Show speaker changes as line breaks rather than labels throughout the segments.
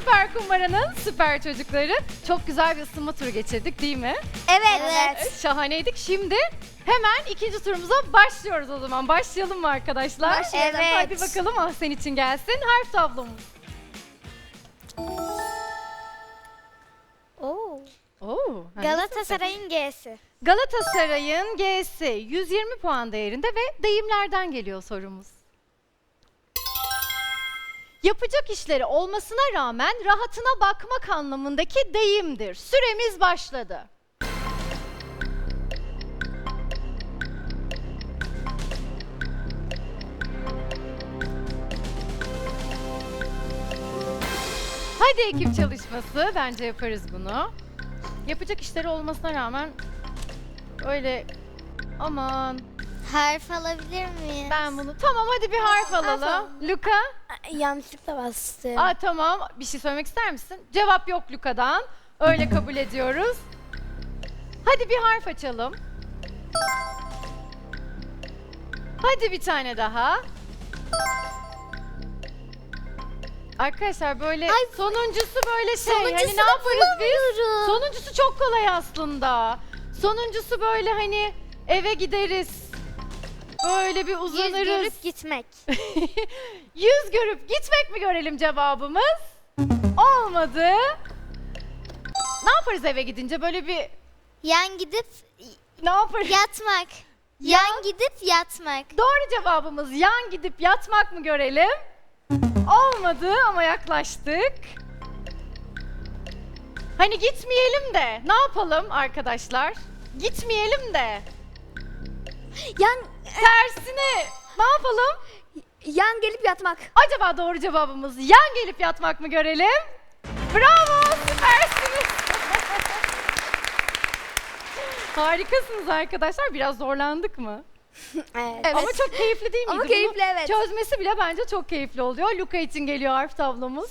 Süper Kumbara'nın süper çocukları. Çok güzel bir ısınma turu geçirdik değil mi?
Evet.
Şahaneydik. Şimdi hemen ikinci turumuza başlıyoruz o zaman. Başlayalım mı arkadaşlar?
Başlayalım. Evet.
Hadi bakalım Ahsen için gelsin harf tablomuz. Oo,
Galatasaray'ın G'si.
Galatasaray'ın G'si 120 puan değerinde ve deyimlerden geliyor sorumuz. Yapacak işleri olmasına rağmen rahatına bakmak anlamındaki deyimdir. Süremiz başladı. Hadi ekip çalışması. Bence yaparız bunu. Yapacak işleri olmasına rağmen öyle aman
Harf alabilir miyim?
ben bunu tamam hadi bir harf alalım. Luka?
Yanlışlıkla bastım.
Aa tamam. Bir şey söylemek ister misin? Cevap yok Luka'dan. Öyle kabul ediyoruz. Hadi bir harf açalım. Hadi bir tane daha. Arkadaşlar böyle sonuncusu böyle şey hani ne yaparız biz? Sonuncusu çok kolay aslında. Sonuncusu böyle hani eve gideriz. Böyle bir uzanırız.
Yüz görüp gitmek.
Yüz görüp gitmek mi görelim cevabımız? Olmadı. Ne yaparız eve gidince böyle bir
Yan gidip
ne yaparız?
yatmak. Yan gidip yatmak.
Doğru cevabımız yan gidip yatmak mı görelim? Olmadı ama yaklaştık. Hani gitmeyelim de ne yapalım arkadaşlar? Gitmeyelim de
Yan
tersine ne yapalım?
yan gelip yatmak.
Acaba doğru cevabımız yan gelip yatmak mı görelim? Bravo, süpersiniz. Harikasınız arkadaşlar. Biraz zorlandık mı?
Evet.
Ama çok keyifli değil miydi?
Ama keyifli,
Bunu
evet.
çözmesi bile bence çok keyifli oluyor. Luka için geliyor harf tablomuz.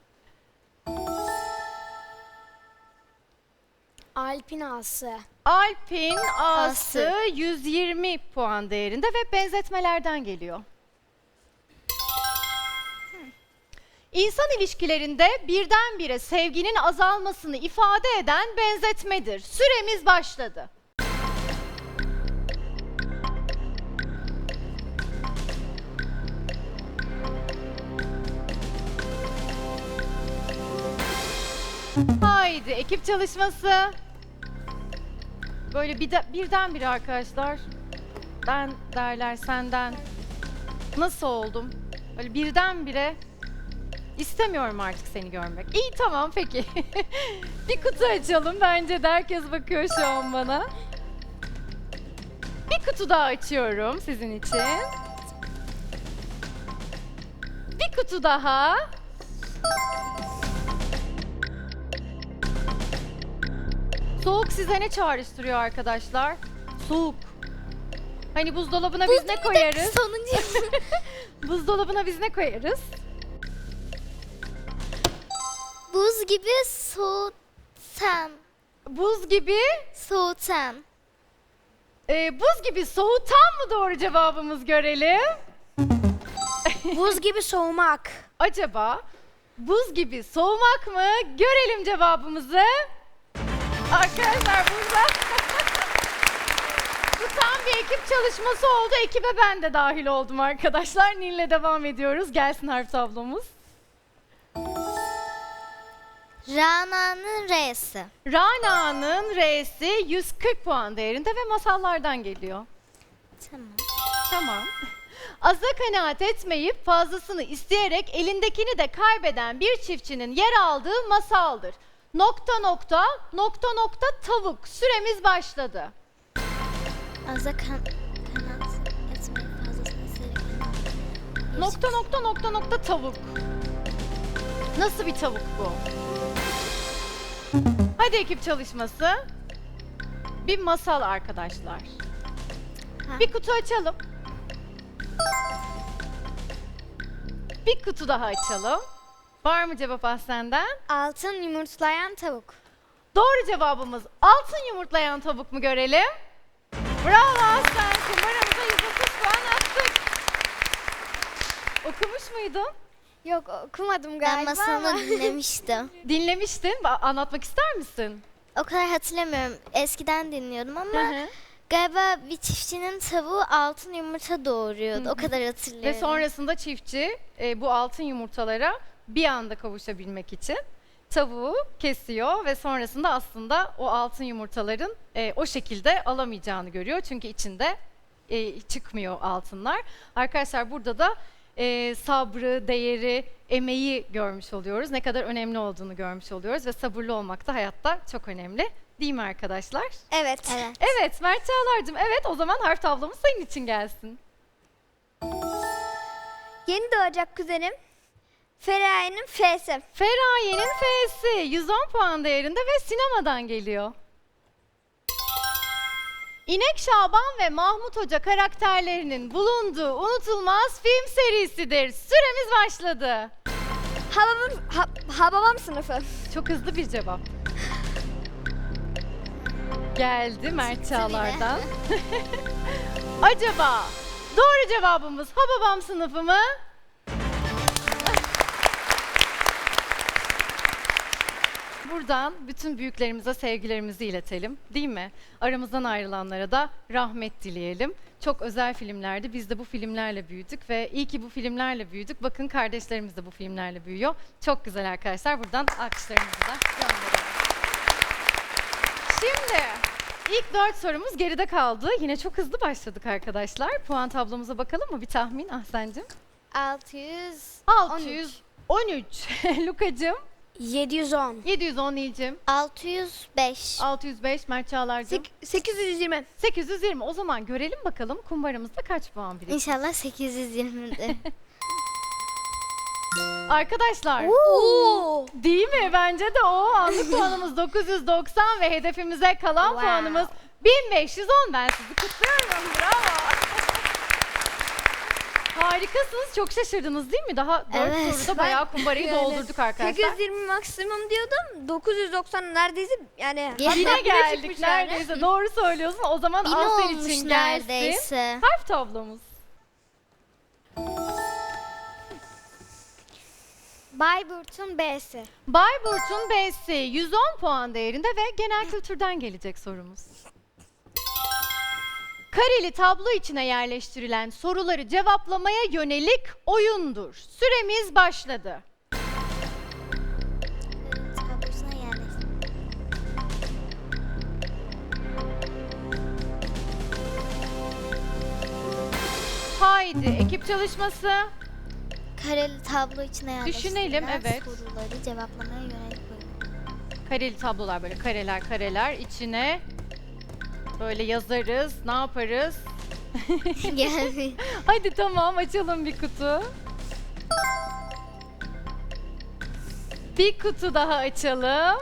Alp'in A'sı.
Alp'in A'sı
A'sı.
120 puan değerinde ve benzetmelerden geliyor. İnsan ilişkilerinde birdenbire sevginin azalmasını ifade eden benzetmedir. Süremiz başladı. Haydi ekip çalışması. Böyle birdenbire arkadaşlar. Ben derler senden. Nasıl oldum? Böyle birdenbire istemiyorum artık seni görmek. İyi tamam peki. Bir kutu açalım. Bence de herkes bakıyor şu an bana. Bir kutu daha açıyorum sizin için. Bir kutu daha. Soğuk size ne çağrıştırıyor arkadaşlar? Soğuk. Hani buzdolabına biz ne koyarız?
Sonuncu.
Buzdolabına biz ne koyarız?
Buz gibi soğutan.
Buz gibi,
Soğutan.
buz gibi soğutan mı doğru cevabımız görelim?
Buz gibi soğumak.
Acaba buz gibi soğumak mı? Görelim cevabımızı. Arkadaşlar burada bu tam bir ekip çalışması oldu. Ekibe ben de dahil oldum arkadaşlar. Nil'le devam ediyoruz. Gelsin harf tablomuz.
Rana'nın R'si.
Rana'nın R'si 140 puan değerinde ve masallardan geliyor.
Tamam.
Tamam. Aza kanaat etmeyip fazlasını isteyerek elindekini de kaybeden bir çiftçinin yer aldığı masaldır. Nokta nokta nokta nokta tavuk. Süremiz başladı.
Aza kanat etmeyi fazlasını isteyerek.
Nokta nokta nokta nokta tavuk. Nasıl bir tavuk bu? Hadi ekip çalışması. Bir masal arkadaşlar.
Ha.
Bir kutu açalım. Bir kutu daha açalım. Var mı cevap Ahsen'den?
Altın yumurtlayan tavuk.
Doğru cevabımız altın yumurtlayan tavuk mu görelim? Bravo Ahsen. Kumbaramıza 130 puan attık. Okumuş muydun?
Yok okumadım
Ben
galiba
masalını
ama.
dinlemiştim.
Dinlemiştin. Anlatmak ister misin?
O kadar hatırlamıyorum. Eskiden dinliyordum ama
Hı hı.
galiba bir çiftçinin tavuğu altın yumurta doğuruyordu. O kadar hatırlıyorum.
Ve sonrasında çiftçi bu altın yumurtalara bir anda kavuşabilmek için tavuğu kesiyor ve sonrasında aslında o altın yumurtaların o şekilde alamayacağını görüyor. Çünkü içinde çıkmıyor altınlar. Arkadaşlar burada da sabrı, değeri, emeği görmüş oluyoruz. Ne kadar önemli olduğunu görmüş oluyoruz ve sabırlı olmak da hayatta çok önemli. Değil mi arkadaşlar?
Evet.
Evet.
Evet Mert Çağlar'cığım, evet o zaman harf tablomuz senin için gelsin.
Yeni doğacak kuzenim. Feraye'nin F'si.
Feraye'nin F'si 110 puan değerinde ve sinemadan geliyor. İnek Şaban ve Mahmut Hoca karakterlerinin bulunduğu unutulmaz film serisidir. Süremiz başladı.
Hababam sınıfı.
Çok hızlı bir cevap. Geldi Mert Çağlar'dan. Acaba doğru cevabımız Hababam sınıfı mı? Buradan bütün büyüklerimize sevgilerimizi iletelim, değil mi? Aramızdan ayrılanlara da rahmet dileyelim. Çok özel filmlerdi. Biz de bu filmlerle büyüdük ve iyi ki bu filmlerle büyüdük. Bakın kardeşlerimiz de bu filmlerle büyüyor. Çok güzel arkadaşlar. Buradan alkışlarımızı da gönderelim. Şimdi ilk 4 sorumuz geride kaldı. Yine çok hızlı başladık arkadaşlar. Puan tablomuza bakalım mı? Bir tahmin Ahsen'cim.
600.
613. Lukacığım.
710.
710 Nilcim.
605.
605 Mert Çağlar'cığım.
820.
820. O zaman görelim bakalım kumbaramızda kaç puan birikti.
İnşallah 820'dir.
Arkadaşlar
Oo.
değil mi? Bence de o. Anlık puanımız 990 ve hedefimize kalan
Wow.
puanımız 1510. Ben sizi kutluyorum. Bravo. Harikasınız. Çok şaşırdınız değil mi? Daha 4
Evet.
soruda bayağı kumbarayı
Yani
doldurduk arkadaşlar.
820 maksimum diyordum. 990 neredeyse yani.
Yine
Yine
hatta bire
geldik
çıkmış yani.
neredeyse. Doğru söylüyorsun. O zaman
1000
Asel
olmuş
için gelsin.
neredeyse.
Harf tablomuz.
Bayburt'un B'si.
Bayburt'un B'si 110 puan değerinde ve genel kültürden gelecek sorumuz. Kareli tablo içine yerleştirilen soruları cevaplamaya yönelik oyundur. Süremiz başladı.
Tablosuna yerleştir.
Haydi ekip çalışması.
Kareli tablo içine yerleştirilen
Düşünelim, evet.
soruları cevaplamaya yönelik oyun.
Kareli tablolar böyle kareler içine böyle yazarız. Ne yaparız?
Geldi.
Hadi tamam açalım bir kutu. Bir kutu daha açalım.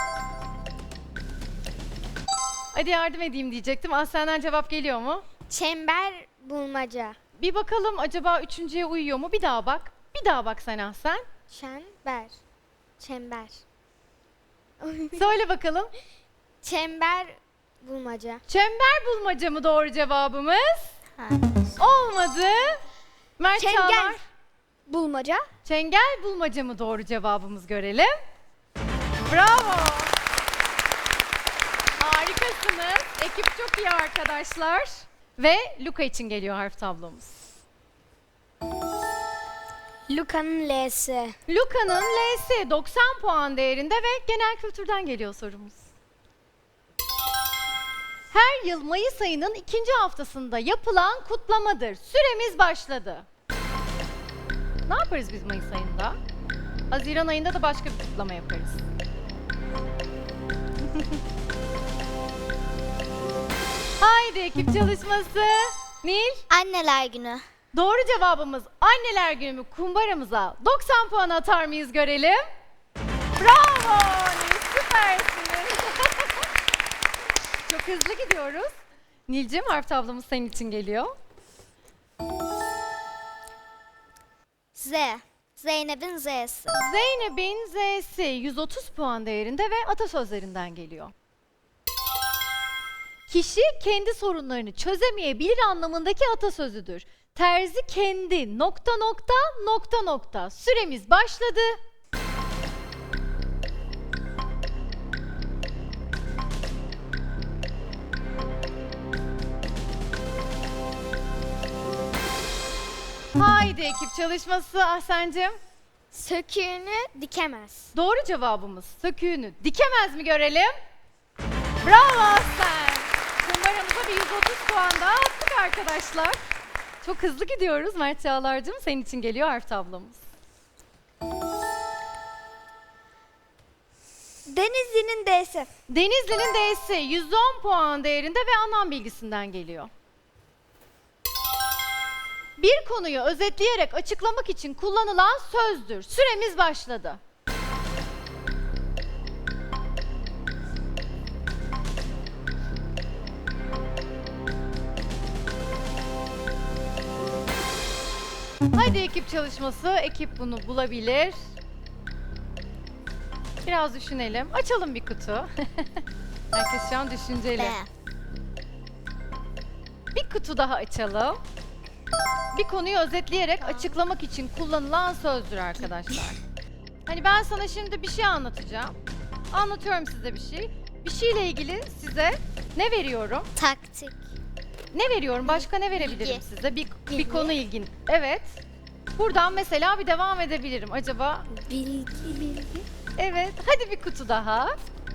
Hadi yardım edeyim diyecektim. Senden cevap geliyor mu?
Çember bulmaca.
Bir bakalım acaba üçüncüye uyuyor mu? Bir daha bak. Bir daha bak sen Ahsen.
Çember. Çember.
Söyle bakalım.
Çember bulmaca.
Çember bulmaca mı doğru cevabımız?
Ha.
Olmadı. Mert
Çengel.
Çağlar.
Bulmaca.
Çengel bulmaca mı doğru cevabımız görelim. Bravo. Harikasınız. Ekip çok iyi arkadaşlar. Ve Luka için geliyor harf tablomuz.
Luka'nın L'si.
Luka'nın L'si 90 puan değerinde ve genel kültürden geliyor sorumuz. Her yıl Mayıs ayının 2. haftasında yapılan kutlamadır. Süremiz başladı. Ne yaparız biz Mayıs ayında? Haziran ayında da başka bir kutlama yaparız. Haydi ekip çalışması. Nil?
Anneler günü.
Doğru cevabımız Anneler Günü kumbaramıza 90 puan atar mıyız görelim. Bravo Nil, süpersiniz. Çok hızlı gidiyoruz. Nilcim harf tablomuz senin için geliyor.
Z. Zeynep'in Z'si.
Zeynep'in Z'si 130 puan değerinde ve atasözlerinden geliyor. kişi kendi sorunlarını çözemeyebilir anlamındaki atasözüdür. Terzi kendi nokta nokta nokta nokta. Süremiz başladı. Haydi ekip çalışması Ahsen'cim.
Söküğünü dikemez.
Doğru cevabımız söküğünü dikemez mi görelim? Bravo Ahsen. Kumbaramıza bir 130 puan daha attık arkadaşlar. Çok hızlı gidiyoruz Mert Çağlar'cığım. Senin için geliyor harf tablomuz.
Denizli'nin D'si.
Denizli'nin D'si 110 puan değerinde ve anlam bilgisinden geliyor. Bir konuyu özetleyerek açıklamak için kullanılan sözdür. Süremiz başladı. Hadi ekip çalışması. Ekip bunu bulabilir. Biraz düşünelim. Açalım bir kutu. Herkes şu an düşünceli.
B.
Bir kutu daha açalım. Bir konuyu özetleyerek açıklamak için kullanılan sözdür arkadaşlar. Hani ben sana şimdi bir şey anlatacağım. Anlatıyorum size bir şey. Bir şeyle ilgili size ne veriyorum?
Taktik.
Ne veriyorum? Başka ne verebilirim
Bilgi.
size? Bir
Bilgi.
konu ilgin. Evet. Buradan mesela bir devam edebilirim. Acaba?
Bilgi.
Evet. Hadi bir kutu daha.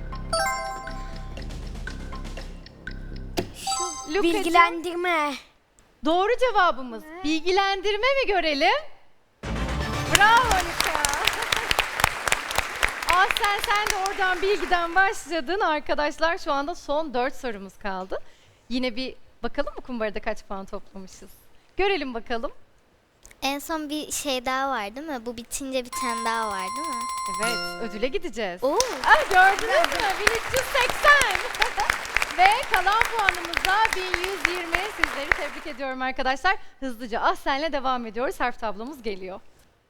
Lukacığım,
Bilgilendirme.
doğru cevabımız bilgilendirme mi görelim? Bravo Luka. Sen de oradan bilgiden başladın. Arkadaşlar şu anda son 4 sorumuz kaldı. Yine bir bakalım mı kumbarada kaç puan toplamışız? Görelim bakalım.
En son bir şey daha var değil mi? Bu bitince bir tane daha var değil mi?
Evet, ödüle gideceğiz.
Oo.
Ah, gördünüz mü? 1380. Ve kalan puanımız da 1120. Sizleri tebrik ediyorum arkadaşlar. Hızlıca Ahsen'le devam ediyoruz. Harf tablomuz geliyor.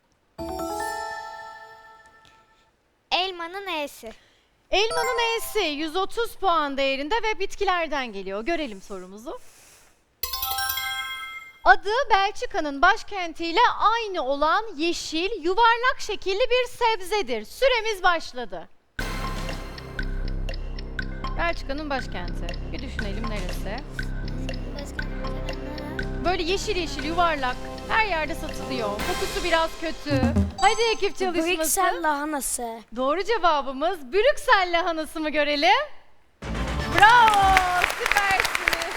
Elmanın E'si.
Elmanın E'si 130 puan değerinde ve bitkilerden geliyor. Görelim sorumuzu. Adı Belçika'nın başkentiyle aynı olan yeşil, yuvarlak şekilli bir sebzedir. Süremiz başladı. Belçika'nın başkenti. Bir düşünelim neresi? Böyle yeşil yeşil yuvarlak. Her yerde satılıyor. Kokusu biraz kötü. Hadi ekip çalışması.
Brüksel lahanası.
Doğru cevabımız Brüksel lahanası mı görelim? Bravo! Süpersiniz.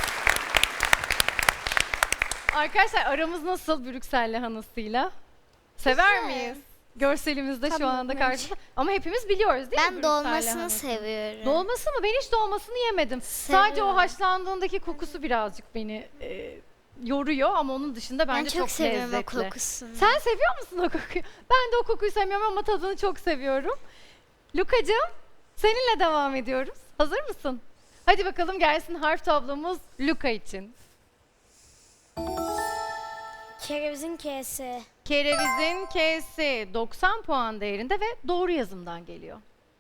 Arkadaşlar aramız nasıl Brüksel lahanasıyla? Sever miyiz? Görselimizde şu anda karşımızda. Ama hepimiz biliyoruz değil mi
Ben
Brüksel
dolmasını
lahanasını?
seviyorum.
Dolması mı? Ben hiç dolmasını yemedim. Sadece o
Seviyorum.
haşlandığındaki kokusu birazcık beni yoruyor ama onun dışında
Ben
bence
çok seviyorum
lezzetli.
o kokusunu.
Sen seviyor musun o kokuyu? Ben de o kokuyu sevmiyorum ama tadını çok seviyorum. Lukacığım, seninle devam ediyoruz. Hazır mısın? Hadi bakalım gelsin harf tablomuz Luka için.
Kerevizin K'si.
Kerevizin K'si 90 puan değerinde ve doğru yazımdan geliyor.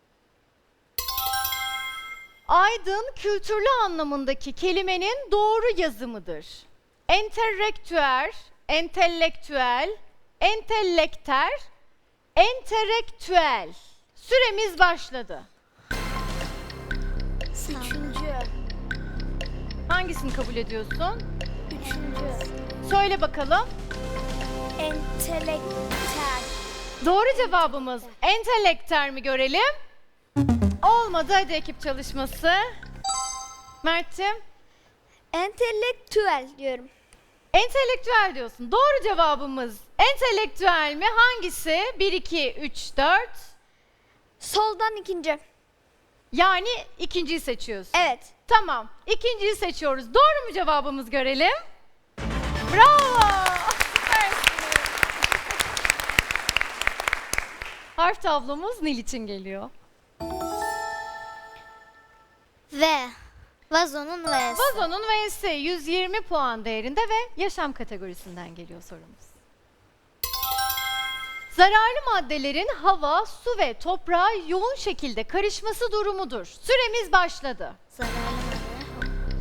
Aydın kültürlü anlamındaki kelimenin doğru yazımıdır. Entelektüel, entelektüel, entelektüel, entelektüel. Süremiz başladı.
Üçüncü.
Hangisini kabul ediyorsun?
Üçüncü.
Söyle bakalım.
Entelektüel.
Doğru cevabımız entelektüel mi görelim? Olmadı, hadi ekip çalışması. Mert'ciğim,
Entelektüel diyorum.
entelektüel diyorsun. Doğru cevabımız entelektüel mi? Hangisi? 1, 2, 3, 4.
Soldan ikinci.
Yani ikinciyi seçiyorsun.
Evet.
Tamam, ikinciyi seçiyoruz. Doğru mu cevabımız görelim? Bravo! Süpersiniz. Harf tablomuz Nil için geliyor.
V. Vazonun V'si.
Vazonun V'si 120 puan değerinde ve yaşam kategorisinden geliyor sorumuz. Zararlı maddelerin hava, su ve toprağa yoğun şekilde karışması durumudur. Süremiz başladı.
Zararlı madde.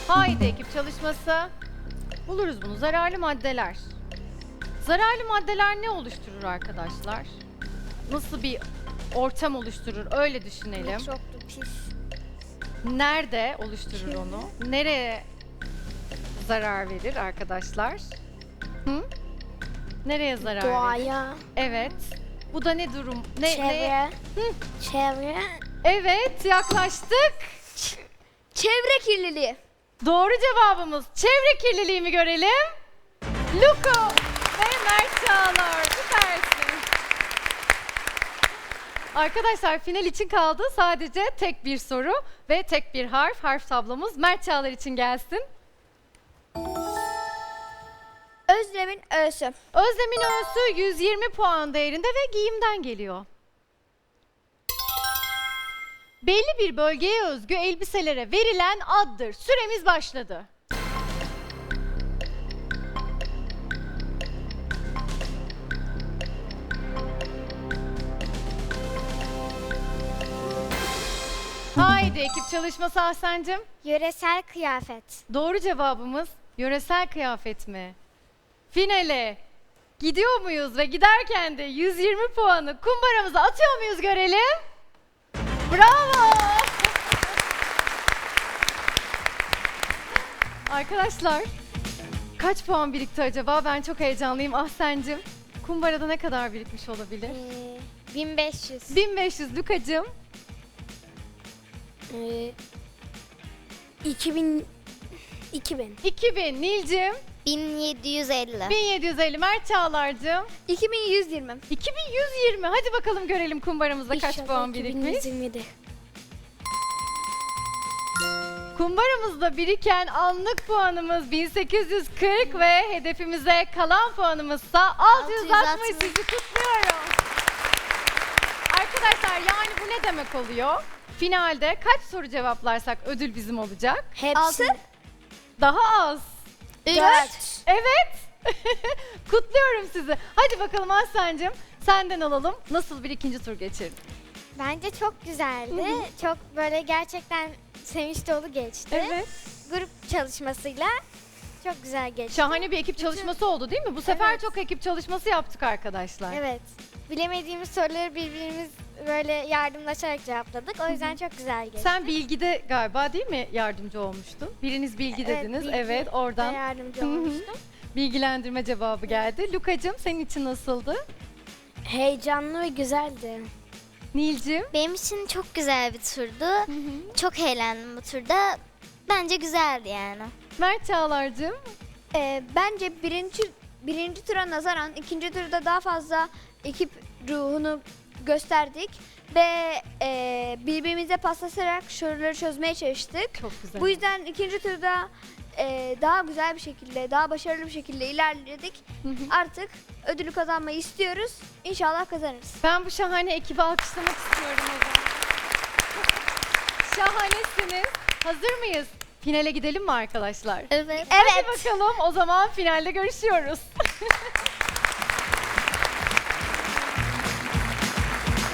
Haydi ekip çalışması. Buluruz bunu. Zararlı maddeler. Zararlı maddeler ne oluşturur arkadaşlar? Nasıl bir ortam oluşturur? Öyle düşünelim.
Mikroplu pis.
Nerede oluşturur onu? Nereye zarar verir arkadaşlar? Hı? Nereye zarar verir?
Doğaya.
Evet. Bu da ne durum? Ne?
Çevre. Çevre.
Evet, yaklaştık.
Çevre kirliliği.
Doğru cevabımız çevre kirliliği mi görelim? Luko ve Mert Çağlar. Süpersin. Arkadaşlar final için kaldı sadece tek bir soru ve tek bir harf. Harf tablomuz Mert Çağlar için gelsin.
Özlem'in ö'sü.
Özlem'in öğüsü 120 puan değerinde ve giyimden geliyor. Belli bir bölgeye özgü elbiselere verilen addır. Süremiz başladı. Haydi ekip çalışması Ahsen'cim.
Yöresel kıyafet.
Doğru cevabımız yöresel kıyafet mi? Finale gidiyor muyuz ve giderken de 120 puanı kumbaramıza atıyor muyuz görelim? Bravo! Arkadaşlar kaç puan birikti acaba? Ben çok heyecanlıyım Ahsen'cim. Kumbarada ne kadar birikmiş olabilir?
1500.
1500 Lukacığım.
2000.
2000 Nilcim.
1750.
1750 Mert Çağlar'cığım.
2120.
2120. Hadi bakalım görelim kumbaramızda kaç puan birikmiş.
2127.
Kumbaramızda biriken anlık puanımız 1840 ve hedefimize kalan puanımızsa 660. Sizi kutluyorum. Arkadaşlar yani bu ne demek oluyor? Finalde kaç soru cevaplarsak ödül bizim olacak?
Hepsi.
Daha az.
4.
Evet. Kutluyorum sizi. Hadi bakalım Aslan'cığım senden alalım. Nasıl bir ikinci tur geçirdin?
Bence çok güzeldi. Çok böyle gerçekten sevinç dolu geçti.
Evet.
Grup çalışmasıyla çok güzel geçti.
Şahane bir ekip çalışması oldu değil mi? Bu sefer
Evet.
çok ekip çalışması yaptık arkadaşlar.
Evet. Bilemediğimiz soruları birbirimiz böyle yardımlaşarak cevapladık. O yüzden çok güzel geçti.
Sen bilgide galiba değil mi yardımcı olmuştun? Biriniz bilgi dediniz.
bilgi
Evet
ve
oradan
yardımcı
Hı hı.
olmuştum.
bilgilendirme cevabı geldi. Lukacığım senin için nasıldı?
Heyecanlı ve güzeldi.
Nilcim?
Benim için çok güzel bir turdu. Çok eğlendim bu turda. Bence güzeldi yani.
Mert Çağlar'cığım?
Bence birinci tura nazaran ikinci turda daha fazla ekip ruhunu gösterdik ve birbirimize paslaşarak soruları çözmeye çalıştık.
Çok güzel.
Bu yüzden ikinci turda daha güzel bir şekilde, daha başarılı bir şekilde ilerledik. Artık ödülü kazanmayı istiyoruz. İnşallah kazanırız.
Ben bu şahane ekibi alkışlamak istiyorum o zaman. Şahanesiniz. Hazır mıyız? Finale gidelim mi arkadaşlar?
Evet.
Hadi bakalım o zaman finalde görüşüyoruz.